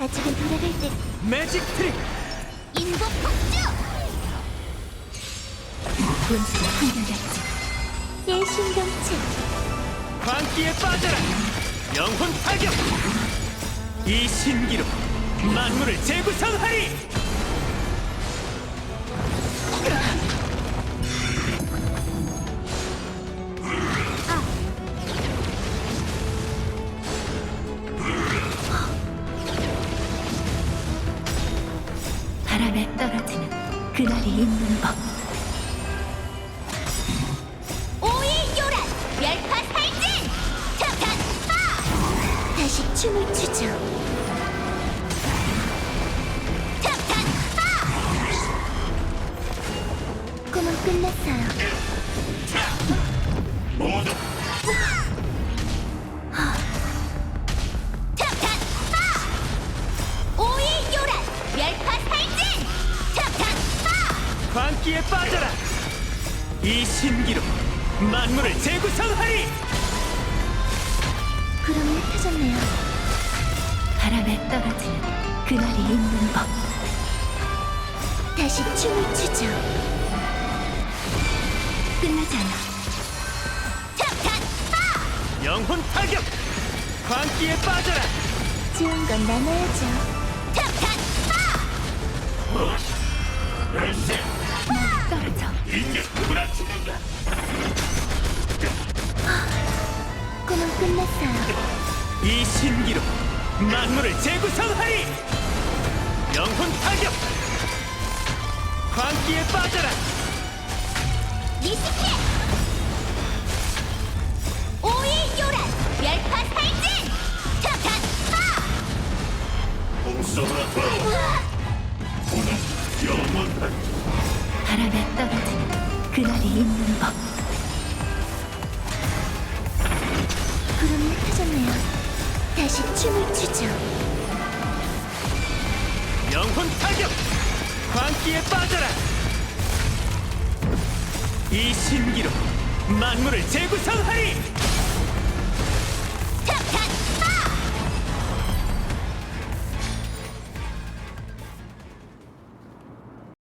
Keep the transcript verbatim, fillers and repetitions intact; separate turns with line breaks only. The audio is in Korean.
아직은 돌아갈 때.
매직 트릭!
인복 폭주! 분수가 한결같지. 예신경체.
광기에 빠져라! 영혼 타격! 이 신기로 만물을 재구성하리!
바람에 떨어지는 그날이 있는 법. 오일요란 멸파살진! 탁탁 파! 다시 춤을 추죠. 탁탁 파! 꿈은 끝났어요.
모두
탁탁 파! 오일요란 멸파살진! 탁탁 파!
광기에 빠져라! 이 신기로 만물을 재구성하리!
구름이 펴졌네요. 바람에 떨어지는 그날이 있는 법. 다시 춤을 추죠. 끝나지 않아. 탁탁 파!
영혼 타격! 광기에 빠져라!
좋은 건 나눠야죠. 탁탁 파! 막 떨어져.
인격 누구나 죽는다!
꿈은 끝났어요.
이 신기로 만물을 재구성하리! 영혼 타격! 광기에 빠져라!
리스켓! 오일요란 멸파살진! 탁탁 파!
공성으로 돌아와! 오늘 영원한
바람에 떨어지는 그날이 있는 법. 구름이 흩어졌네요. 다시 춤을 추죠.
영혼 타격! 광기에 빠져라! 이 신기로 만물을 재구성하리!